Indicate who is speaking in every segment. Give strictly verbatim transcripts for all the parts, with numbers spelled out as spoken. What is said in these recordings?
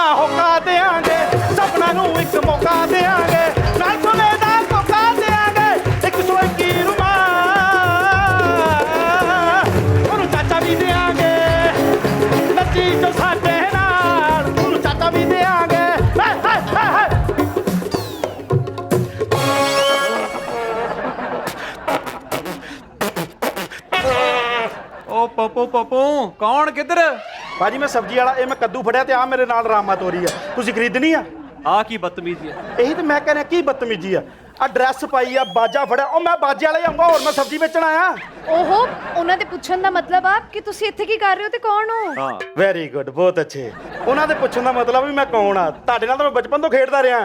Speaker 1: होका देंगे सपना नू एक मौका देंगे नाल सोने दा धोखा देंगे एक सौ इक्की रुमाल ओनू चाचा भी देंगे नच्ची जो साडे नाल ओनू चाचा भी देंगे हाय हाय हाय हाय
Speaker 2: ओ पप्पू पप्पू कौन किधर
Speaker 1: भाजी मैं सब्जी वाला ये मैं कद्दू फड़िया ते आ मेरे नाल रामा तोरी है तुसी खरीदनी आ
Speaker 2: आ की बदतमीजी है
Speaker 1: यही तो मैं कहने की बदतमीजी है आ ड्रैस पाई आ बाजा फड़िया ओ मैं बाजे वाला ही आऊंगा और मैं सब्जी बेचण आया
Speaker 3: ओहो ਉਹਨਾਂ ਦੇ ਪੁੱਛਣ ਦਾ ਮਤਲਬ ਆ ਕਿ ਤੁਸੀਂ ਇੱਥੇ ਕੀ ਕਰ ਰਹੇ ਹੋ ਤੇ ਕੌਣ ਹੋ
Speaker 2: हाँ
Speaker 1: ਵੈਰੀ ਗੁੱਡ ਬਹੁਤ ਅੱਛੇ ਉਹਨਾਂ ਦੇ ਪੁੱਛਣ ਦਾ ਮਤਲਬ ਵੀ ਮੈਂ ਕੌਣ ਆ ਤੁਹਾਡੇ ਨਾਲ ਤਾਂ ਮੈਂ ਬਚਪਨ ਤੋਂ ਖੇਡਦਾ ਰਿਹਾ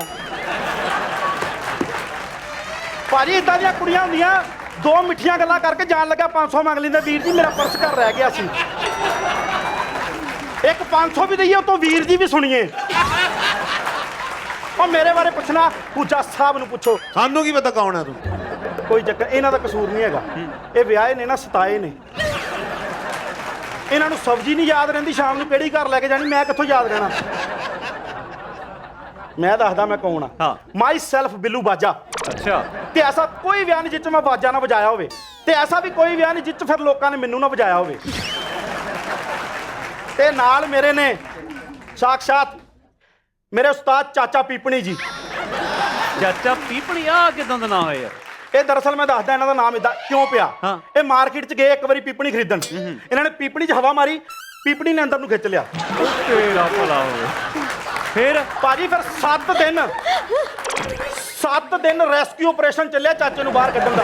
Speaker 1: ਭਾਜੀ ਇਦਾਂ ਦੀਆਂ ਕੁੜੀਆਂ ਹੁੰਦੀਆਂ ਦੋ ਮਿੱਠੀਆਂ ਗੱਲਾਂ ਕਰਕੇ ਜਾਣ ਲੱਗਾ ਪੰਜ ਸੌ ਮੰਗ ਲੈਂਦੇ ਵੀਰ ਜੀ ਮੇਰਾ ਪਰਸ ਘਰ ਰਹਿ ਗਿਆ ਸੀ ਇੱਕ ਪੰਜ ਸੌ ਵੀ ਦਈਏ ਉਤੋਂ ਵੀਰ ਜੀ ਵੀ ਸੁਣੀਏ ਉਹ ਮੇਰੇ ਬਾਰੇ ਪੁੱਛਣਾ ਪੂਜਾ ਸਾਹਿਬ ਨੂੰ ਪੁੱਛੋ
Speaker 4: ਸਾਨੂੰ ਕੀ ਪਤਾ ਕੌਣ ਹੈ ਤੂੰ
Speaker 1: ਕੋਈ ਚੱਕਰ ਇਹਨਾਂ ਦਾ ਕਸੂਰ ਨਹੀਂ ਹੈਗਾ ਇਹ ਵਿਆਹੇ ਨੇ ਨਾ ਸਤਾਏ ਨੇ ਇਹਨਾਂ ਨੂੰ ਸਬਜ਼ੀ ਨਹੀਂ ਯਾਦ ਰਹਿੰਦੀ ਸ਼ਾਮ ਨੂੰ ਕਿਹੜੀ ਘਰ ਲੈ ਕੇ ਜਾਣੀ ਮੈਂ ਕਿੱਥੋਂ ਯਾਦ ਰਹਿਣਾ ਮੈਂ ਦੱਸਦਾ ਮੈਂ ਕੌਣ ਆ
Speaker 2: ਹਾਂ
Speaker 1: ਮਾਈ ਸੈਲਫ ਬਿੱਲੂ ਬਾਜਾ
Speaker 2: अच्छा
Speaker 1: ਤੇ ਐਸਾ ਕੋਈ ਵਿਆਹ ਨਹੀਂ ਜਿੱਚ ਮੈਂ ਬਾਜਾ ਨਾ ਵਜਾਇਆ ਹੋਵੇ ਤੇ ਐਸਾ ਵੀ ਕੋਈ ਵਿਆਹ ਨਹੀਂ ਜਿੱਚ ਫਿਰ ਲੋਕਾਂ ਨੇ ਮੈਨੂੰ ਨਾ ਵਜਾਇਆ ਹੋਵੇ ਤੇ ਨਾਲ ਮੇਰੇ ਨੇ ਸਾਖਸ਼ਾਤ ਮੇਰੇ ਉਸਤਾਦ ਚਾਚਾ ਪੀਪਣੀ ਜੀ
Speaker 2: चाचा पीपणी आ किदां दा नाम है यार
Speaker 1: ਇਹ ਦਰਅਸਲ ਮੈਂ ਦੱਸਦਾ ਇਹਨਾਂ ਦਾ ਨਾਮ ਇਦਾਂ ਕਿਉਂ ਪਿਆ
Speaker 2: ਹਾਂ।
Speaker 1: ਇਹ ਮਾਰਕੀਟ 'ਚ ਗਏ ਇੱਕ ਵਾਰੀ ਪੀਪਣੀ ਖਰੀਦਣ ਇਹਨਾਂ ਨੇ ਪੀਪਣੀ 'ਚ ਹਵਾ ਮਾਰੀ ਪੀਪਣੀ ਨੇ ਅੰਦਰ ਨੂੰ ਖਿੱਚ ਲਿਆ
Speaker 2: तेरा भला हो फिर
Speaker 1: ਭਾਜੀ ਫਿਰ ਸੱਤ ਦਿਨ ਸੱਤ ਦਿਨ ਰੈਸਕਿਊ ਆਪਰੇਸ਼ਨ ਚੱਲਿਆ ਚਾਚੇ ਨੂੰ ਬਾਹਰ ਕੱਢਣ ਦਾ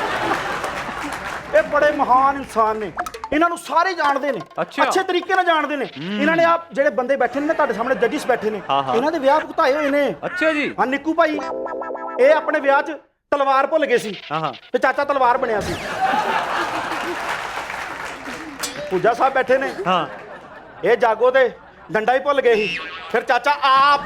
Speaker 1: ਇਹ ਬੜੇ ਮਹਾਨ ਇਨਸਾਨ ਨੇ ਇਹਨਾਂ ਨੂੰ ਸਾਰੇ ਜਾਣਦੇ ਨੇ
Speaker 2: ਅੱਛਾ।
Speaker 1: ਅੱਛੇ ਤਰੀਕੇ ਨਾਲ ਜਾਣਦੇ ਨੇ ਇਹਨਾਂ ਨੇ ਆ ਜਿਹੜੇ ਬੰਦੇ ਬੈਠੇ ਨੇ ਨਾ ਤੁਹਾਡੇ ਸਾਹਮਣੇ ਜੱਜਿਸ ਬੈਠੇ ਨੇ
Speaker 2: ਹਾਂ, ਹਾਂ।
Speaker 1: ਇਹਨਾਂ ਦੇ ਵਿਆਹ ਭੁਗਤਾਏ ਹੋਏ ਨੇ
Speaker 2: अच्छा जी
Speaker 1: ਹਾਂ ਨਿੱਕੂ ਭਾਈ ਇਹ ਆਪਣੇ ਵਿਆਹ 'ਚ ਤਲਵਾਰ ਭੁੱਲ ਗਏ ਸੀ
Speaker 2: हाँ हाँ
Speaker 1: ਤੇ ਚਾਚਾ ਤਲਵਾਰ ਬਣਿਆ ਸੀ ਪੂਜਾ ਸਾਹਿਬ ਬੈਠੇ ਨੇ
Speaker 2: हाँ
Speaker 1: ਇਹ ਜਾਗੋ ਤੇ ਡੰਡਾ ਹੀ ਭੁੱਲ ਗਏ ਸੀ ਫਿਰ ਚਾਚਾ ਆਪ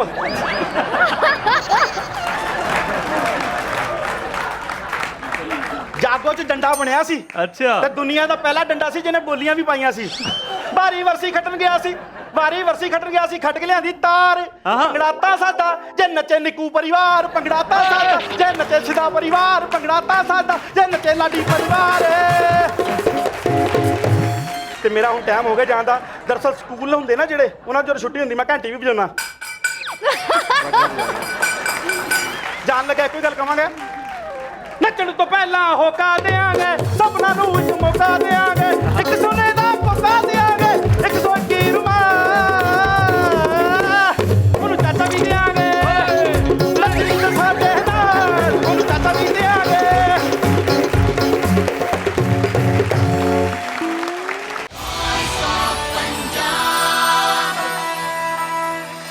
Speaker 1: ਜਾਗੋ 'ਚ ਡੰਡਾ ਬਣਿਆ ਸੀ
Speaker 2: अच्छा
Speaker 1: ਤੇ ਦੁਨੀਆ ਦਾ ਪਹਿਲਾ ਡੰਡਾ ਸੀ ਜਿਹਨੇ ਬੋਲੀਆਂ ਵੀ ਪਾਈਆਂ ਸੀ ਭਾਰੀ ਵਰਸੀ ਖੱਟਣ ਗਿਆ ਸੀ ਭਾਰੀ ਵਰਸੀ ਖੱਟਣ ਗਿਆ ਸੀ ਖੱਟ ਕੇ ਲਿਆਂਦੀ ਤਾਰ
Speaker 2: ਹਾਂ।
Speaker 1: ਭੰਗੜਾਤਾ ਸਾਡਾ ਜੇ ਨੱਚੇ ਨਿੱਕੂ ਪਰਿਵਾਰ ਭੰਗੜਾਤਾ ਸਾਡਾ ਜੇ ਨੱਚੇ ਸਿੱਧਾ ਪਰਿਵਾਰ ਭੰਗੜਾਤਾ ਸਾਡਾ ਜੇ ਨੱਚੇ ਲਾਡੀ ਪਰਿਵਾਰ ਤੇ ਮੇਰਾ ਹੁਣ ਟਾਈਮ ਹੋ ਗਿਆ ਜਾਣ ਦਾ ਦਰਅਸਲ ਸਕੂਲ ਹੁੰਦੇ ਨਾ ਜਿਹੜੇ ਉਹਨਾਂ ਜਦੋਂ ਛੁੱਟੀ ਹੁੰਦੀ ਮੈਂ ਘੰਟੀ ਵੀ ਵਜਾਉਣਾ ਜਾਣ ਲੱਗਾ ਕੋਈ ਗੱਲ ਕਵਾਂਗੇ ਨੱਚਣ ਤੋਂ ਪਹਿਲਾਂ ਹੋਕਾ ਦੇਾਂਗੇ ਸਪਨਾ ਨੂੰ ਇੱਕ ਮੌਕਾ ਦੇਾਂਗੇ ਇੱਕ ਸੋਨੇ ਦਾ